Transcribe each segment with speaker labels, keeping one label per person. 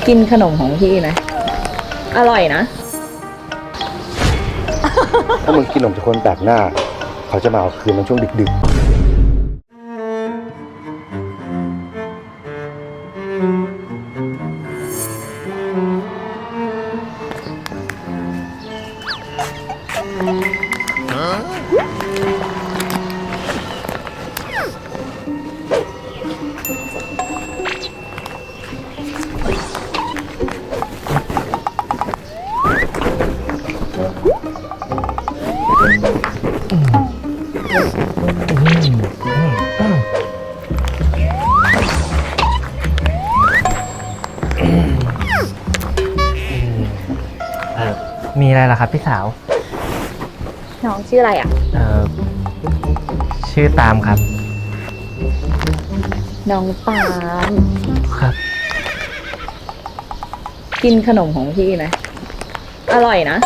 Speaker 1: กินขนมของพี่ไหมอร่อยนะ
Speaker 2: ถ้ามึงกินขนมจากคนแปลกหน้าเขาจะมาเอาคืนในช่วงดึก
Speaker 3: มีอะไรล่ะครับพี่สาว
Speaker 1: น้องชื่ออะไรอ่ะ
Speaker 3: ชื่อตามครับ
Speaker 1: น้องปาน
Speaker 3: ครับ
Speaker 1: กินขนมของพี่ไหมอร่อยนะ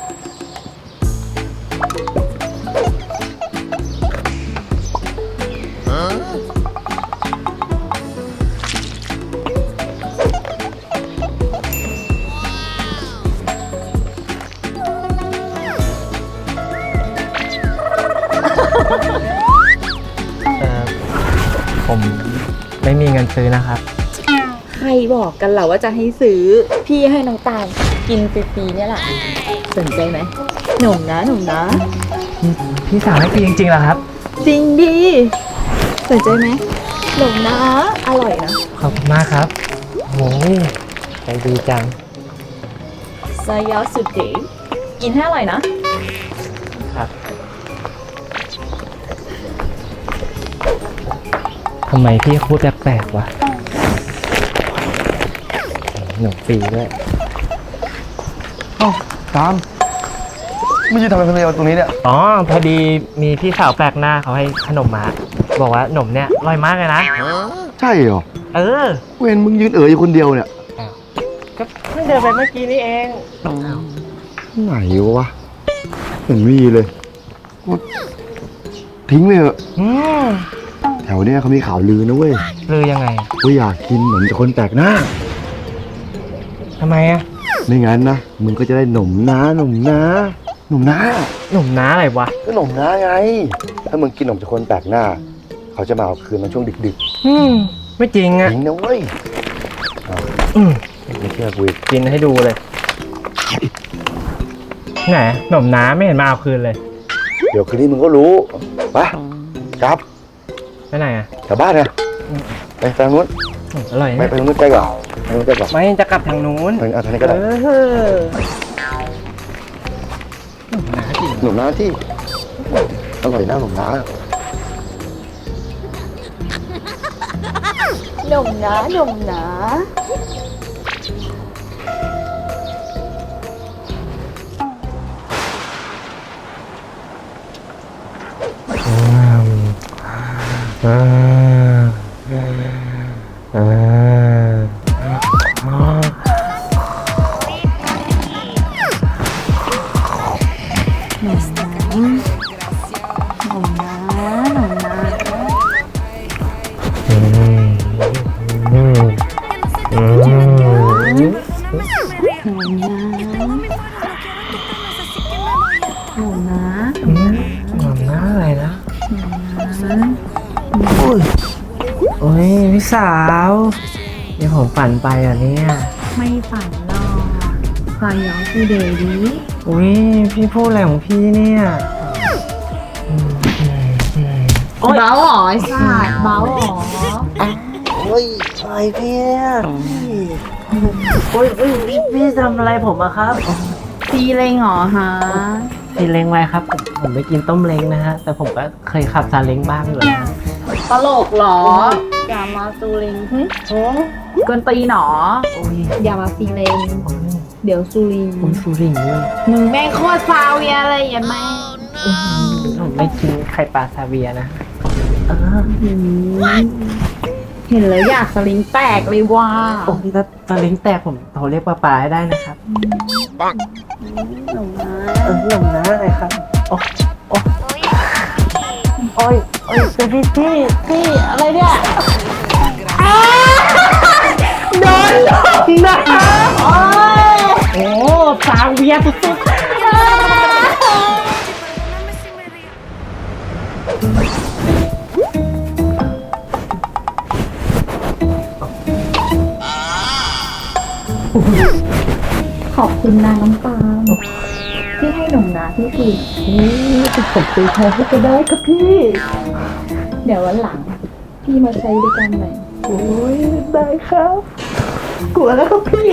Speaker 3: ผมไม่มีเงินซื้อนะครับ
Speaker 1: ใครบอกกันเหรอว่าจะให้ซื้อ พี่ให้น้องตาลกินฟรีๆเนี่ยแหละสนใจไหมหนุ่มนะหนุ่มนะ
Speaker 3: พี่สาวให้ฟรีจริงๆเหรอครับ
Speaker 1: จริงดีสนใจไหมหนุ่มนะอร่อยนะ
Speaker 3: ขอบคุณมากครับโอ้ยใจดีจัง
Speaker 1: ซายาสุดเก๋กินให้อร่อยนะ
Speaker 3: ครับทำไมพี่พูดแปลกๆวะหนุ่มฟรีด้วย
Speaker 2: ๆเอ้าตามไม่ใช่ทำอะไรคนเดียวตรงนี้เนี่ย
Speaker 3: อ๋อพอดีมีพี่สาวแปลกหน้าเขาให้ขนมมา บอกว่าขนมเนี่ยอร่อยมากเลยนะ
Speaker 2: ใช่เหรอ
Speaker 3: เออ
Speaker 2: เว้นมึงยืนอยู่คนเดียวเนี่ย
Speaker 3: ก็เพิ่งเดินไปเมื่อกี้นี่เอง
Speaker 2: ไหนวะเห็นมีเลยทิ้งไปเถอะ
Speaker 3: อืม
Speaker 2: แถวเนี้ยเขามีข่าวลือนะเว้ย
Speaker 3: ลือยังไง
Speaker 2: ว่าอยากกินขนมจากคนแปลกหน้า
Speaker 3: ทำไมอะ
Speaker 2: ไม่งั้นนะมึงก็จะได้หนมน้าหนมน้าหนมน้า
Speaker 3: หนุ่มน้าอะไรวะ
Speaker 2: ก็หนมน้าไงถ้ามึงกินขนมจากคนแปลกหน้าเขาจะมาเอาคืนในช่วงดึก
Speaker 3: ไม่จริง
Speaker 2: ๆ
Speaker 3: อะ
Speaker 2: จริงนะเว้ย
Speaker 3: อืม
Speaker 2: ไม่เชื่อกูอีก
Speaker 3: กินให้ดูเลยไหนหนุ่มน้าไม่เห็นมาเอาคืนเลย
Speaker 2: เดี๋ยวคืนนี้มึงก็รู้ไปกลับ
Speaker 3: ไปไหนอะ
Speaker 2: กลับบ้านนะไปทางนู้น
Speaker 3: อร่อย
Speaker 2: ไม่
Speaker 3: นะ
Speaker 2: ไปทางนู้นใกล้กว่าทางนู้นใกล้กว่า
Speaker 3: ไม่จะกลับทางนู้น
Speaker 2: ทางนี้ก็ได้
Speaker 3: หนุ่มน้าจริง
Speaker 2: หนมน้าที่อร่อยนะหนมน้า
Speaker 1: หนุ่มนะหนุ่มนะ หนุ่มนะ
Speaker 3: หนุ่มน้าอะไรนะโอ้ยพี่สาวเดี๋ยวผมฝันไปอ่ะเนี่ย
Speaker 1: ไม่ฝันหรอกซายาสุดเก๋ดี
Speaker 3: อุ้ยพี่พูดอะไรของพี่เนี่ย
Speaker 1: เบาหรอไอ้สัตว์เบาหรอ
Speaker 3: โอ้ยอะไรพี่เนี่ยโอ้ยพี่ทำอะไรผมอะครับ
Speaker 1: ตีเลงหรอฮะ
Speaker 3: พี่เล้งไว้ครับผมไม่กินต้มเล้งนะฮะแต่ผมก็เคยขับซาเล้งบ้างอยู่นะ
Speaker 1: ตลกหรออย่ามาซูเลงกวนตีหนอ
Speaker 3: โอ้ย
Speaker 1: อย่ามาซีเลงเดี๋ยวซูลิง
Speaker 3: ผมสูริงด้วย
Speaker 1: มึงแม่งโคตรซาเวียอะไรอย่าแม่ง
Speaker 3: ผมไม่กินไข่ปลาซาเวียนะ
Speaker 1: เห็นแล้วอยากสลิงแตกเลยว่า
Speaker 3: โอ้ยถ้าซาเล้งแตกผมโทรเรียกปลาให้ได้นะครับ
Speaker 1: หนุ่มนะ
Speaker 3: หนุ่มนะอะไรครับโอ้โอ้โอ้ยเป็นพี่
Speaker 1: อะไรเนี่ยโดนหลอก
Speaker 3: นะโอ้สาวเวียสุด
Speaker 1: ขอบคุณนะน้องปาล์มที่ให้หนุ่มนาพี่คือ
Speaker 3: ๆผมตีแทนให้ก็ได้ครับพี่
Speaker 1: เดี๋ยววันหลัง พี่มาใช้ด้วยกันหน่อย
Speaker 3: โอ้ยได้ครับ กลัวแล้วครับพี่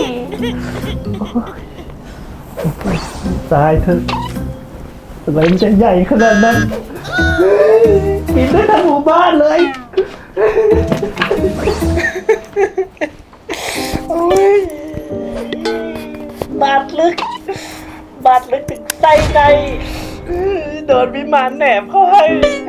Speaker 3: ตายเถอะอะไรมันจะใหญ่ขนาดนั้นกินได้ทั้งหมู่บ้านเลยโอ้ยบาดลึกถึงไส้ในโดนวิมานแหนบเข้าให้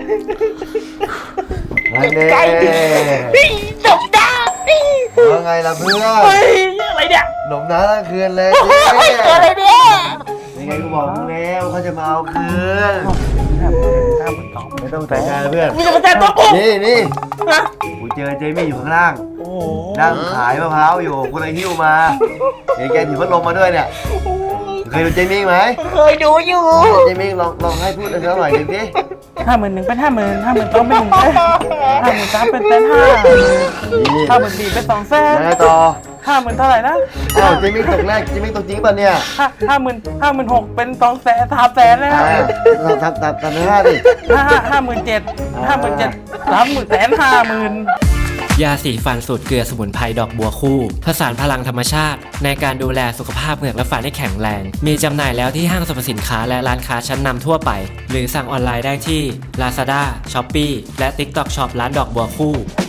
Speaker 2: ไงเน่
Speaker 3: จบดา
Speaker 2: ว่าไงล่ะเพื่อน
Speaker 3: เฮ้ยอะไรเนี่ย
Speaker 2: หนมน้าทั้งคืนเลย
Speaker 3: อะไรเนี่ย
Speaker 2: ยังไงกูบอกมึงแล้วเขาจะมาเอาคืนไม่ต้องใส่ใจนะเพื่อน
Speaker 3: มึงจะมาแจ้งตัวกู
Speaker 2: นี่
Speaker 3: ฮะ
Speaker 2: กูเจอเจมี่อยู่ข้างล่าง
Speaker 3: โอ้
Speaker 2: นั่งขายมะพร้าวอยู่กูเลยหิ้วมาเห็นแกถือพัดลมมาด้วยเนี่ยเคยดูเจมี่ไหม
Speaker 3: เคยดูอยู่
Speaker 2: เจมี่ลองให้พูดอะไรสักหน่อยหนึ่งดิ
Speaker 3: 51,000เป็น50,000 ต้องเป็น53,000เป็น54,000เป็น200,000
Speaker 2: ยังไงต่อ
Speaker 3: 50,000เท่าไหร่นะ
Speaker 2: อ้าวเจมี่ตกแรกเจมี่ตกจริงป่ะเนี่ย
Speaker 3: 56,000เป็น200,000 300,000นะค
Speaker 2: อ่า
Speaker 3: รับ
Speaker 2: ตัดหน้าดิ
Speaker 3: 57,000 30,000
Speaker 4: ยาสีฟันสูตรเกลือสมุนไพรดอกบัวคู่ผสานพลังธรรมชาติ ในการดูแลสุขภาพเหงือกและฟันให้แข็งแรง มีจำหน่ายแล้วที่ห้างสรรพสินค้าและร้านค้าชั้นนำทั่วไป หรือสั่งออนไลน์ได้ที่ Lazada, Shopee และ TikTok Shop ร้านดอกบัวคู่